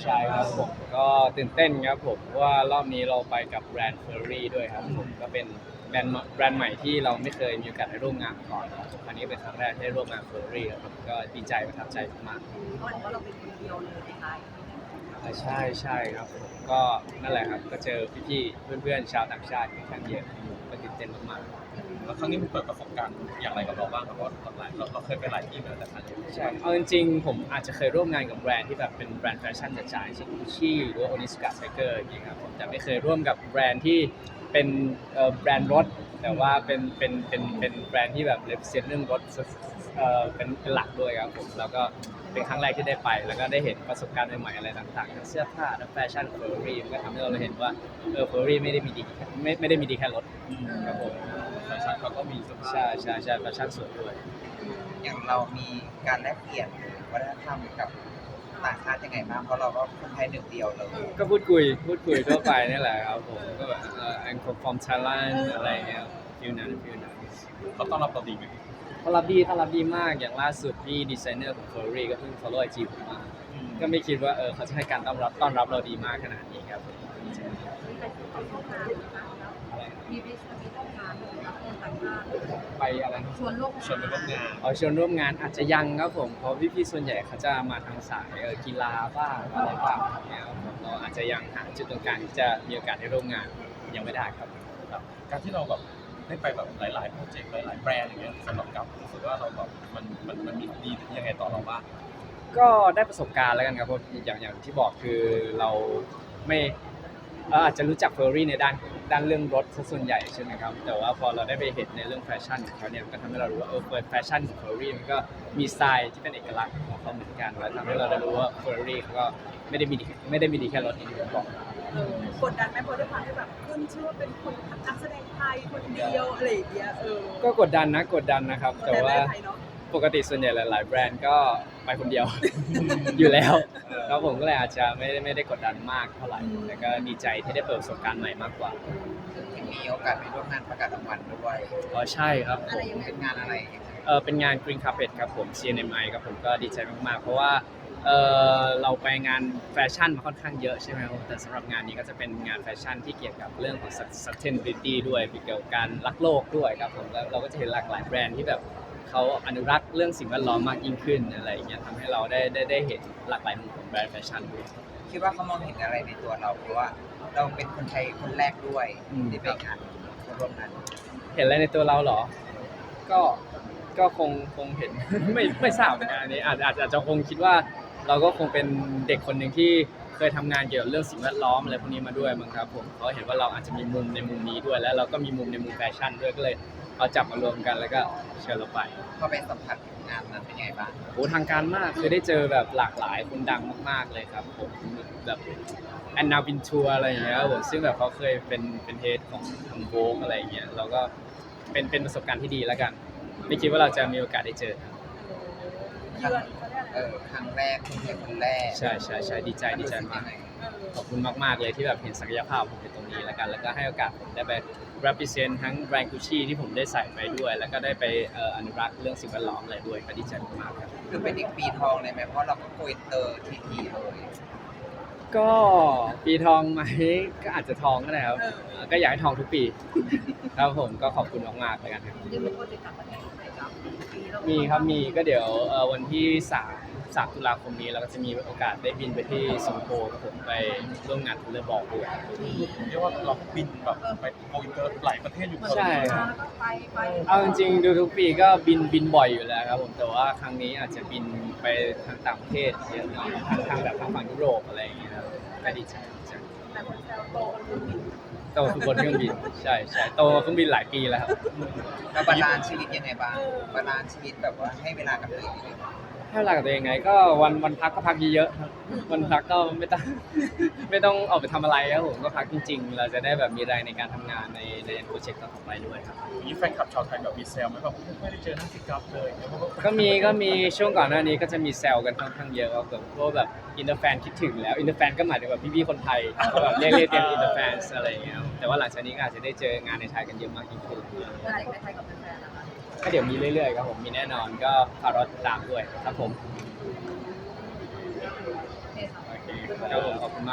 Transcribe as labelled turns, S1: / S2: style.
S1: ใช่ครับผมก็ตื่นเต้นครับผมเพราะว่ารอบนี้เราไปกับแบรนด์เฟอร์รี่ด้วยครับผมก็เป็นแบรนด์ใหม่ที่เราไม่เคยมีโอกาสได้ร่วมงานมาก่อนครับครั้งนี้เป็นครั้งแรกที่ได้ร่วมงานเฟอร์รี่ครับผมก็ดีใจประทับใจมาก
S2: เขาบอกว่าเราเป็นคนเดียวเลยนะคะ
S1: ๆใช่ครับผมก็นั่นแหละครับก็เจอพี่ๆเพื่อนๆชาวต่างชาติค่อนข้างเยอะก็ตื่นเต้นมากๆ
S3: แล้วครั้งนี้มันเปิดประสบการณ์อย่างไรกับเราบ้างครับเพราะเราเคยไปหลายที่มาแล้วแต่ครั้งนี้
S1: ใช่เอาจริงๆผมอาจจะเคยร่วมงานกับแบรนด์ที่แบบเป็นแบรนด์แฟชั่นจ๋าๆเช่น Gucci หรือว่า Onitsuka Tiger อย่างเงี้ยครับผมแต่ไม่เคยร่วมกับแบรนด์ที่เป็นแบรนด์รถแต่ว่าเป็นแบรนด์ที่แบบ represent เรื่องรถเป็นหลักด้วยครับผมแล้วก็เป็นครั้งแรกที่ได้ไปแล้วก็ได้เห็นประสบการณ์ใหม่ๆอะไรต่างๆทั้งเสื้อผ้าทั้งแฟชั่นเฟอร์รี่มันก็ทำให้เราเห็นว่าเฟอร์รี่ไม่ได้มีดีไม่ได้มีดีแค่รถครับผม
S3: แฟชั่นเขาก็มีเสื้อผ้า
S1: ใช่แฟชั่นสวยด้วย
S4: อย่างเรามีการแลกเปลี่ยนวัฒนธรรมกับต่างชาติยังไงบ้างเพราะเราก็คนไทยหนึ่งเดียวเลย
S1: ก็พูดคุยทั่วไปนี่แหละครับผมก็แบบI'm from Thailand อะไรเงี้ยฟิลนั้น
S3: เขาต้อนรับเราดีไหม
S1: ต้อนรับดีมากอย่างล่าสุดพี่ดีไซเนอร์ของ Furry ก็เพิ่ง follow IG ผมมาก็ไม่คิดว่าเขาจะให้การต้อนรับเราดีมากขนาดนี้ครับผม
S2: มีไปร่วมงานกับคนต่างชาติ
S1: ไปอะไรนะ
S2: ชวนร่วม
S3: ชวนไปร่วมงาน
S1: ชวนร่วมงานอาจจะยังครับผมเพราะพี่ๆส่วนใหญ่เขาจะมาทางสายกีฬาบ้างอะไรบ้างเนี่ยครับผมเราอาจจะยังหาจุดตรงกลางที่จะมีโอกาสได้ร่วมงานยังไม่ได้ครับ
S3: ครับการที่เราแบบได้ไปแบบหลายๆโปรเจกต์หลายๆแบรนด์อย่างเงี้ยสำหรับกับรู้สึกว่าเราแบบมันมีดียังไงต่อเราบ้าง
S1: ก็ได้ประสบการณ์แล้วกันครับเพราะอย่างที่บอกคือเราไม่อาจจะรู้จักเฟอร์รี่ในด้านเรื่องรถซะส่วนใหญ่ใช่ไหมครับแต่ว่าพอเราได้ไปเห็นในเรื่องแฟชั่นของเขาเนี่ยมันก็ทำให้เรารู้ว่าแฟชั่นของเฟอร์รี่มันก็มีสไตล์ที่เป็นเอกลักษณ์ของเขาเหมือนกันแล้วทำให้เราได้รู้ว่าเฟอร์รี่เขาก็ไม่ได้มีดีแค่รถอย่างที่ผมบอก
S2: กดดันไหมเพราะด้วยความที่แบบขึ้นชื่อว่าเป็นคนนักแสดงไทยคนเดียวอะไรอย่างเงี้ย
S1: ก็กดดันนะครับแต่ว่าปกติส่วนใหญ่หลายๆแบรนด์ก็ไปคนเดียว อยู่แล้วแล้วผมก็เลยอาจจะไม่ได้กดดันมากเท่าไหร่แต่ก็ดีใจที่ได้เปิดประสบการณ์ใหม่มากกว่า
S4: ยังมีโอกาสไปร่วมงานประกาศรางวัลด้วย
S1: ใช่ครับผม
S4: เป็นงานอะไรยังไง
S1: เป็นงาน Green Carpet ครับผม CNMI ครับผมก็ดีใจมากๆเพราะว่าเราไปงานแฟชั่นมาค่อนข้างเยอะใช่ไหมครับแต่สำหรับงานนี้ก็จะเป็นงานแฟชั่นที่เกี่ยวกับเรื่องของ sustainability ด้วยเกี่ยวกับการรักโลกด้วยครับผมแล้วเราก็จะเห็นหลากหลายแบรนด์ที่แบบเขาอนุรักษ์เรื่องสิ่งแวดล้อมมากยิ่งขึ้นอะไรอย่างเงี้ยทำให้เราได้เห็นหลากหลายมุมของแบรนด์แฟชั่นด้วย
S4: คิดว่าเขามองเห็นอะไรในตัวเราเพราะว่าเราเป็นคนไทยคนแรกด้วยที่ไปงานร่วมงาน
S1: เห็นอะไรในตัวเราเหรอ ก็คงเห็น ไม่ทราบเหมือนกันอันนี้อาจจะคงคิดว่าเราก็คงเป็นเด็กคนหนึ่งที่เคยทำงานเกี่ยวกับเรื่องสิ่งแวดล้อมอะไรพวกนี้มาด้วยมั้งครับผมเขาเห็นว่าเราอาจจะมีมุมในมุมนี้ด้วยแล้วเราก็มีมุมในมุมแฟชั่นด้วยก็เลยเอาจับมารวมกันแล้วก็เชิญเราไป
S4: พอไปสัมผัสงานนั้นเป็นยังไงบ้าง
S1: โอ้ทางการมากคือได้เจอแบบหลากหลายคนดังมากๆเลยครับผมแบบแอนนาวินทัวอะไรอย่างเงี้ยครับผมซึ่งแบบเขาเคยเป็นเฮดของทางโบกอะไรอย่างเงี้ยเราก็เป็นประสบการณ์ที่ดีแล้วกันไม่คิดว่าเราจะมีโอกาสได้เจอ
S2: เยือนเขาเรียกอะไร
S4: ครั้งแรกคนไทยคนแรก
S1: ใช่ดีใจมาก ขอบคุณมากๆเลยที่แบบเห็นศักยภาพผมในตรงนี้แล้วกันแล้วก็ให้โอกาสผมได้ไป represent ทั้งแบรนด์ Gucci ที่ผมได้ใส่ไปด้วย แล้วก็ได้ไปอนุรักษ์เรื่องสิ่งแวดล้อมอะไรด้วยก็ดีใจมากๆครับ
S4: คือเป็นอีกปีทองเลยไหมเพราะเราก็โกยเตอร์ทีเลย
S1: ก็ปีทองไหมก็อาจจะทองก็ได้ครับก็อยากให้ทองทุกปีครับผมก็ขอบคุณมากๆเลยกันครับ
S2: ยังมีโปรเจกต์ต่างประเทศไหนครับ
S1: มีก็เดี๋ยววันที่3 ตุลาคมนี้เราก็จะมีโอกาสได้บินไปที่สิงคโปร์ครับผมไปร่วมงานทัวร์บอกด้วย
S3: เรียกว่าเราบินแบบไปโกอินเตอร์หลายประเทศอยู่
S1: ใช่
S2: แล้วก็ไป
S1: เอาจริงๆดูทุกปีก็บินบ่อยอยู่แล้วครับผมแต่ว่าครั้งนี้อาจจะบินไปทางต่างประเทศเยอะหน่อยทางแบบทางฝั่งยุโรปอะไรอย่างเงี้ยครับก็ดีใจ
S2: แต่คนแซวโตคนบิน
S1: โตทุกคนเครื่องบินใช่โตเครื่องบินหลายปีแล้วครับ
S4: เราบาลานซ์ชีวิตยังไงบ้างบาลานซ์ชีวิตแบบว่าให้เวลากับตัวเองยังไงบ้าง
S1: ให้เวลากับตัวเองไงก็วันพักก็พักเยอะๆครับวันพักก็ไม่ต้อง ไม่ต้องออกไปทำอะไรครับผมก็พักจริงๆ เราจะได้แบบมีแรงในการทำงานในโปรเจกต์ต่อไปด้วยครับ
S3: มีแฟนคลับชาวไทยแบบมีเซลไหมแบบไม่ได้เจอหน้าสิกับเลยเนี่ยเพราะว่า
S1: ก็มีช่วงก่อนหน้านี้ก็จะมีแซวกันค่อนข้างเยอะว่าแบบพวกแบบอินเตอร์แฟนคิดถึงแล้วอินเตอร์แฟนก็หมายถึงแบบพี่ๆคนไทยก็แบบเรียกเต็มอินเตอร์แฟนอะไรอย่างเงี้ยครับแต่ว่าหลังจากนี้ก็อาจจะได้เจองานในไทยกันเยอะมากยิ่งขึ้น
S2: โปรเจกต์ในไทยกับแฟนๆนะคะ
S1: ก็เดี๋ยวมีเรื่อยๆครับผมมีแน่นอนก็ฝากรอติดตามด้วยครับผม
S2: โอเคค่ะ
S1: โอเคครับผมขอบคุณมาก